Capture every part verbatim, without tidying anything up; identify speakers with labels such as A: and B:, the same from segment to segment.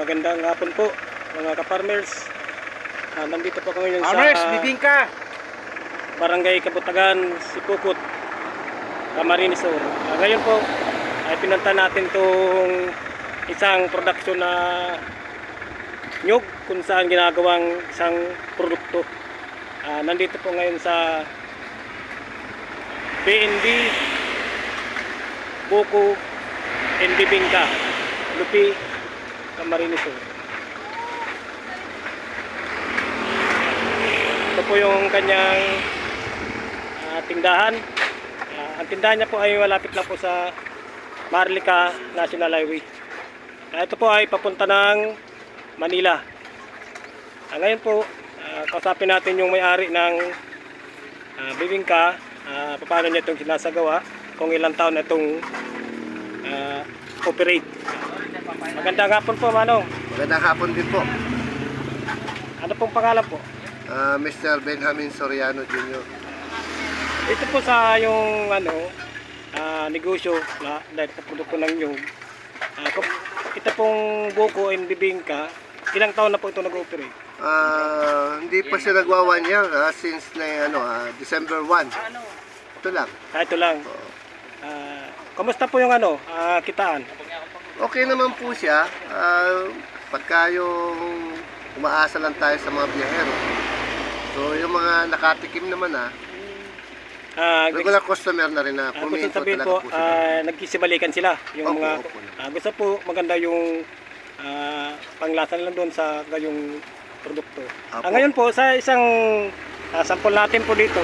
A: magandang hapon po mga ka-farmers. Ah, nandito po kami ngayon sa
B: Farmers, bibingka!
A: Barangay Kabutagan, Sipukot, Camarines Sur. Ah, ngayon po ay pinunta natin tong isang production na nyug kung saan ginagawang isang produkto. Ah, nandito po ngayon sa B N B Buko and Bibingka, Lupi, Camarines Sur. Ito po yung kanyang uh, tindahan. Uh, ang tindahan niya po ay malapit lang po sa Marlica National Highway. Uh, ito po ay papunta ng Manila. Uh, ngayon po, uh, kausapin natin yung may-ari ng uh, Bibingka. Uh, paano niya itong sinasagawa, kung ilang taon na itong uh, operate. Magandang hapon po, Manong.
C: Magandang hapon din po.
A: Ano pong pangalan po?
C: Uh, Mister Benjamin Soriano Junior
A: Ito po sa yung ano, uh, negosyo na dahil sa produkto ng nyug. Uh, ito pong Buko and Bibingka, ilang taon na po ito nag-operate?
C: uh, Hindi pa siya nagwa one year uh, since na, ano, uh, December first. Ito lang.
A: Ah, ito lang. Uh, kamusta po yung ano, uh, kitaan?
C: Okay naman po siya. uh, Pagka yung umaasa lang tayo sa mga biyahero. So yung mga nakatikim naman ah,
A: Uh,
C: regular customer na rin na
A: uh, gusto
C: puminto
A: sabihin
C: talaga
A: po,
C: po sila.
A: uh, nagkisibalikan sila yung
C: Opo,
A: mga
C: opo.
A: uh, gusto po maganda yung uh, panglasa lang doon sa yung produkto.
C: Opo.
A: Uh, ngayon po sa isang uh, sample natin po dito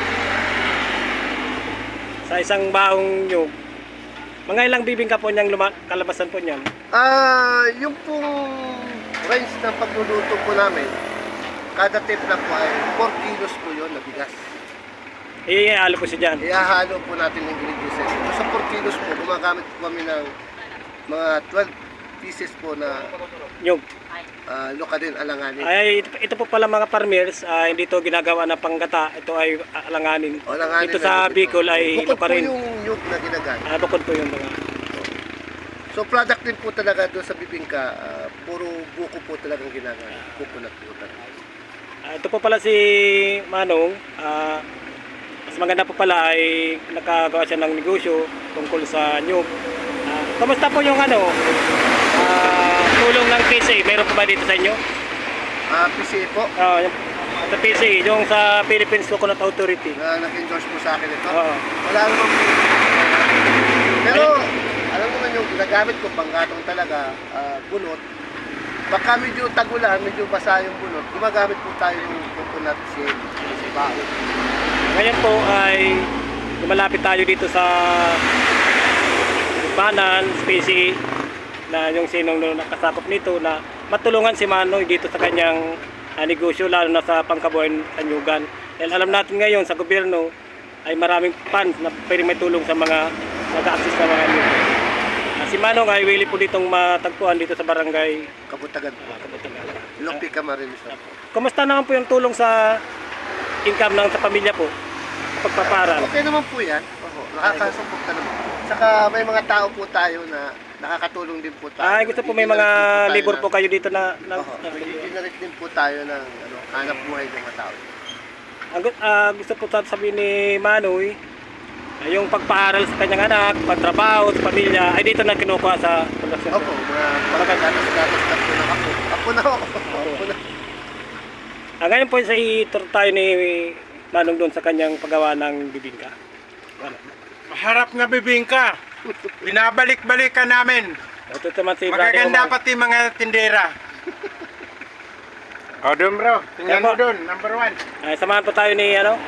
A: sa isang baong nyug, mga ilang bibingka po niyang luma- kalabasan po niyan?
C: Ah, yung pong range ng pagluluto po namin, kada timpla po ay four kilos po yun na bigas.
A: Ihalo po siya dyan.
C: Ihahalo po natin yung ingredients. So, sa four kilos po, gumagamit po kami ng mga twelve pieces po na
A: Nyug.
C: uh, luka din, alanganin.
A: Ay, ito, ito po pala mga farmers, ah, hindi ito ginagawa na panggata, ito ay alanganin.
C: O, alanganin
A: Dito
C: na
A: sa
C: yun.
A: Bicol ay
C: Bukod
A: lupa
C: po
A: rin.
C: yung nyug na ginagamit.
A: Ah, bukod po yung mga.
C: So, product din po talaga doon sa bibingka, uh, puro buko po talagang ginagamit. Coconut po talaga.
A: Ah, ito po pala si Manong. Ah, mas maganda po pala ay nakagawa siya ng negosyo tungkol sa nyug. Ah, kamusta po yung ano? Ah, tulong ng P C A, meron po ba dito sa inyo?
C: Ah, P C A po,
A: Ah, yung, sa P C A, yung sa Philippines Coconut Authority.
C: na nag-endorse po sa akin ito.
A: Oo.
C: Wala naman po. Pero, alam naman yung ginagamit ko, panggatong talaga, ah, bunot. Baka medyo tagulan, medyo basa yung bunot, gumagamit po tayo ng coconut shell, si bao.
A: Ngayon po ay lumalapit tayo dito sa Banan, P C A, na yung sinong nakasakop nito na matulungan si Manoy dito sa kanyang uh, negosyo, lalo na sa pangkabuhayan sa nyugan. Dahil alam natin ngayon sa gobyerno ay maraming funds na pwedeng may tulong sa mga nag-access sa mga nyug. Uh, si Manong ay willing po ditong matagpuan dito sa barangay
C: Kabutagan po.
A: uh, Kabutagan.
C: Lupi Camarines po.
A: Kumusta naman po yung tulong sa income ng sa pamilya po? Pagpaparal.
C: Okay naman po yan. Oo, nakakasupport ka naman. Saka may mga tao po tayo na nakakatulong din po tayo.
A: Ay, gusto po may mga labor po kayo dito na, na,
C: Oo,
A: na
C: generate din po tayo ng ano, hanap buhay ng mga tao.
A: ang, gu- ah, gusto po sabihin ni Manoy ay yung pagpaaral sa kanyang anak, pagtrabaho sa pamilya ay dito na kinukuha sa production.
C: Opo, mga pagkagatas-gatas na po na ako. Ako na ako. Ako na.
A: Ah, ngayon po sa itur tayo ni Manong doon sa kanyang paggawa ng bibingka. Ano?
B: Maharap na bibingka! Binabalik-balikan namin!
A: Ito naman si
B: Magaganda
A: Brother Omar.
B: pati mga tindera. O doon bro, tingnan
A: Yan po.
B: mo doon, number one.
A: Ay, samahan po tayo ni ano?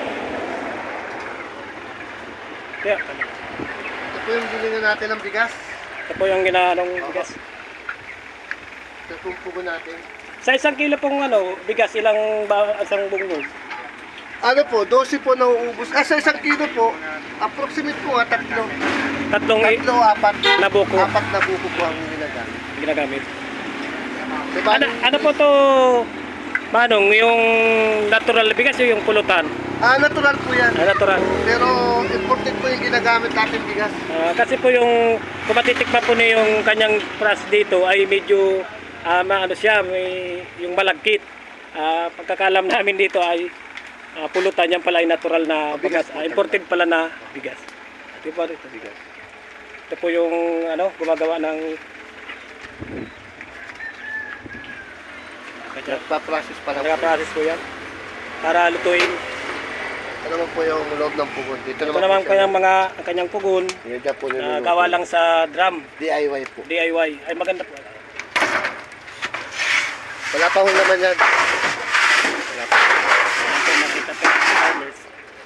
A: Kaya,
C: Ito po yung bilingan natin ng bigas.
A: ito po yung ginaanong bigas.
C: Ito po yung pugo natin.
A: Sa isang kilo pong ano, bigas, ilang ba, isang bungbong?
C: Ano po, twelve po nauubos. Ah, sa isang kilo po, approximate po ah, tatlo.
A: Tatlong i-
C: Tatlo, apat.
A: na buko
C: Apat na buko po ang ginagamit.
A: ginagamit.
C: Diba?
A: Ano, ano po to, Manong, yung natural na bigas o yung pulutan?
C: Ah, natural po yan.
A: Ah, natural.
C: Pero imported po yung ginagamit natin bigas.
A: Ah, kasi po yung, kung matitikman po niyo yung kanyang price dito ay medyo ah, ma- ano siya, may, yung malagkit. Ah, pagkakalam namin dito ay ah, pulutan, yan pala ay natural na
C: Ah, bigas
A: bigas.
C: po
A: Ah,
C: talaga.
A: imported pala na bigas. Ito po, ito.
C: Bigas.
A: Ito po yung ano, gumagawa ng
C: Nagpa-process pa lang po.
A: nagka-process po yan para lutuin.
C: Ito naman po yung loob ng pugon. Dito
A: Ito
C: naman,
A: naman
C: po siya.
A: kanyang mga ang kanyang pugon
C: Yan dyan po
A: na
C: niluluto.
A: gawa lang sa drum,
C: D I Y po.
A: D I Y. Ay maganda po.
C: Wala pa ho naman yan. Wala pa.
A: Ayan po, makita po sa farmers.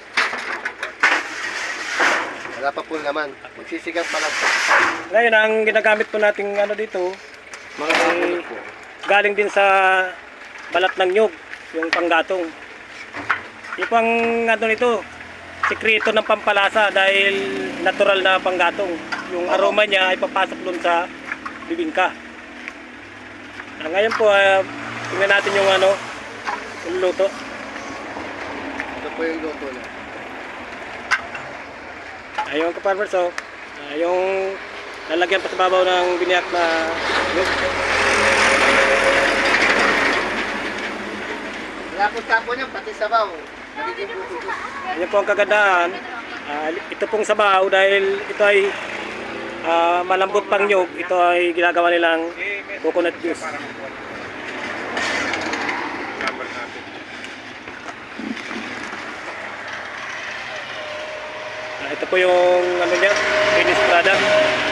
C: Wala pa po naman. Magsisigang pa lang po.
A: Ngayon, ang ginagamit po nating ano dito,
C: Mga
A: Ay,
C: pugon po.
A: galing din sa balat ng nyug, yung panggatong. Yung pang ano nito, sikreto ng pampalasa dahil natural na panggatong. Yung aroma niya ay papasok doon sa bibingka. Ah, ngayon po, uh, tingnan natin yung ano, yung luto.
C: Ito po yung luto na.
A: Ayun ka farmers, so, ah, yung lalagyan pa sa babaw ng biniyak na nyug.
C: Wala po tapo niya, pati sabaw. Nagiging buko.
A: Yan po ang kagandahan. Ah, ito pong sabaw dahil ito ay ah, malambot pang nyog. Ito ay ginagawa nilang coconut juice.
B: Number natin.
A: Ah, ito po yung ano niya, finished product.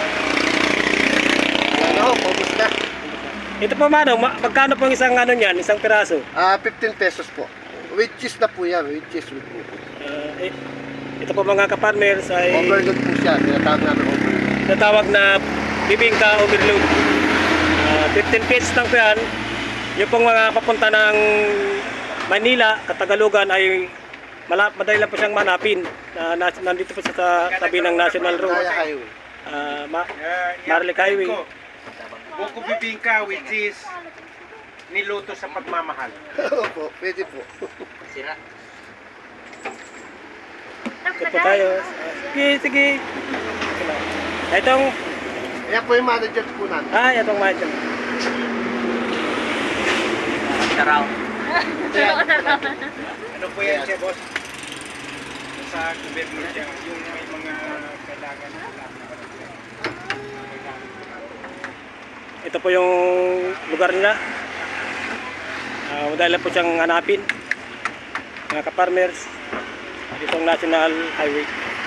C: Ano, paubos na.
A: Ito po mano, ma- magkano po ang isang ano niyan, isang piraso?
C: Ah, fifteen pesos po. With cheese na po yan, with cheese with po.
A: Ah, eh, ito po mga ka-farmers ay
C: Overload po siya, tinatawag namin overload.
A: natawag na bibingka overload. Ah, fifteen pesos lang po yan. Yung pong mga papunta ng Manila, Katagalugan ay mala- madali lang po siyang manapin. Na, nas- nandito po siya sa tabi ng National Road.
C: Kaya Highway.
A: Ah, ma-
B: Uh,
A: Marley Highway.
B: Buko bibingka which is niluto sa pagmamahal.
C: Opo, pwede po.
A: Ito po tayo. Ah, sige, sige. Itong,
C: Kaya po yung manager po namin.
A: ah, itong mga dyan.
B: Ano po yan siya, boss? Sa gobyerno siya, yung may mga kailangan na
A: Ito po yung lugar nila. Ah, madali lang po siyang hanapin. Mga ka-farmers. Itong National Highway.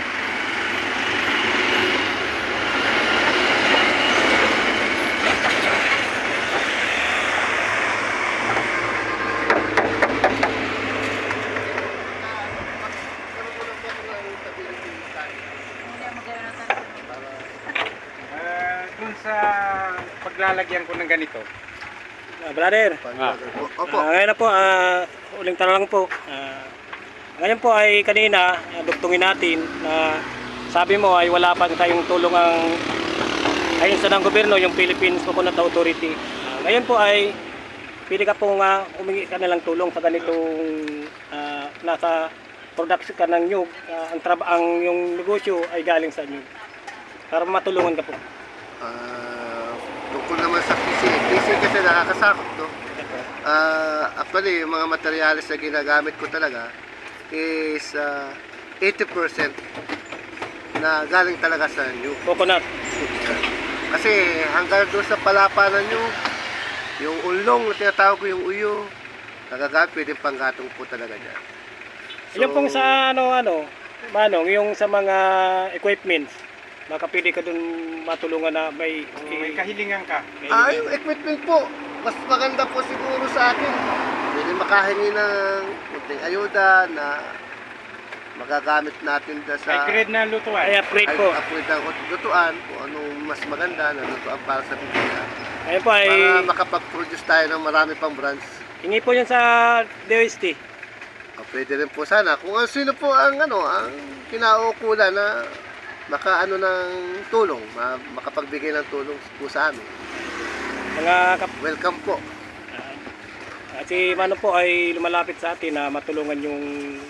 B: Ah, dun sa paglalagyan ko ng ganito,
A: Ah, brother,
C: Opo.
A: ah, ngayon na po, ah, uling tanong lang po. Ah, ngayon po ay kanina, ah, duktungin natin na sabi mo ay wala pa tayong tulong ang ayon sa ng gobyerno, yung Philippines Coconut Authority. Ah, ngayon po ay pili ka po nga humingi ka na lang tulong sa ganitong ah, nasa production ka ng nyug. Ah, ang, traba, ang yung negosyo ay galing sa nyug. Para matulungan ka po.
C: Ah, tungkol naman sa P C. P C kasi nakakasakot, no? Ah, actually, yung mga materyales na ginagamit ko talaga is ah, eighty percent na galing talaga sa new.
A: Coconut.
C: Kasi hanggang doon sa palapanan nyo, yung ulong na tinatawag ko yung uyo, nagagamit, pwedeng panggatong po talaga dyan.
A: Yung pong sa ano ano, Manong, yung sa mga equipments, makapili ka dun matulungan na may
B: may kahilingan ka.
C: Ah, yung equipment po, mas maganda po siguro sa akin. Pwede makahingi ng kunting ayuda na magagamit natin da
B: May
C: sa
B: grade na lutuan.
A: ay upgrade po.
C: upgrade ng lutuan, kung anong mas maganda na lutuan para sa bibigyan.
A: Ayun po ay
C: Para makapag-produce tayo ng marami pang brands.
A: hingi po yun sa D O S T.
C: Ah, pwede rin po sana. Kung ano- sino po ang ano, ang kinaukulan na makaano ng tulong, ma- makapagbigay ng tulong po sa amin.
A: Mga kap
C: Welcome po.
A: at si Manong po ay lumalapit sa atin na matulungan yung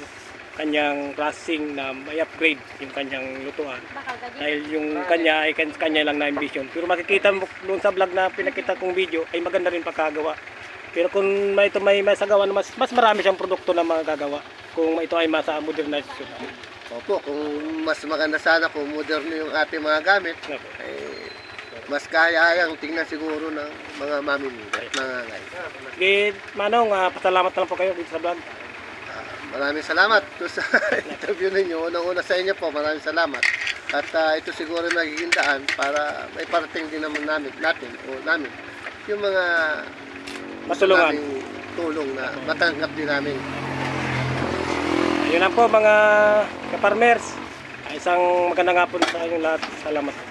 A: kanyang processing na may upgrade yung kanyang lutuan. Dahil yung kanya ay kan- kanya lang na ambition. Pero makikita mo doon sa vlog na pinakita kong video ay maganda rin pagkagawa. Pero kung may ito may masagawa na mas mas marami siyang produkto na magagawa kung ito ay masa modernization.
C: Opo, kung mas maganda sana kung moderno yung ating mga gamit,
A: Opo.
C: eh, mas kaya yang tingnan siguro ng mga mamimili at mga ngay.
A: Sige, Manong, ah, pasalamat na lang po kayo dito sa vlog.
C: Ah, maraming salamat to sa interview ninyo. Unang-una sa inyo po, maraming salamat. At ah, ito siguro magiging daan para may parating din naman namin, natin o namin yung mga
A: Matulungan.
C: naming tulong na matanggap din namin.
A: Ayun lang po mga kaparmers. Isang magandang hapon sa inyong lahat. Salamat.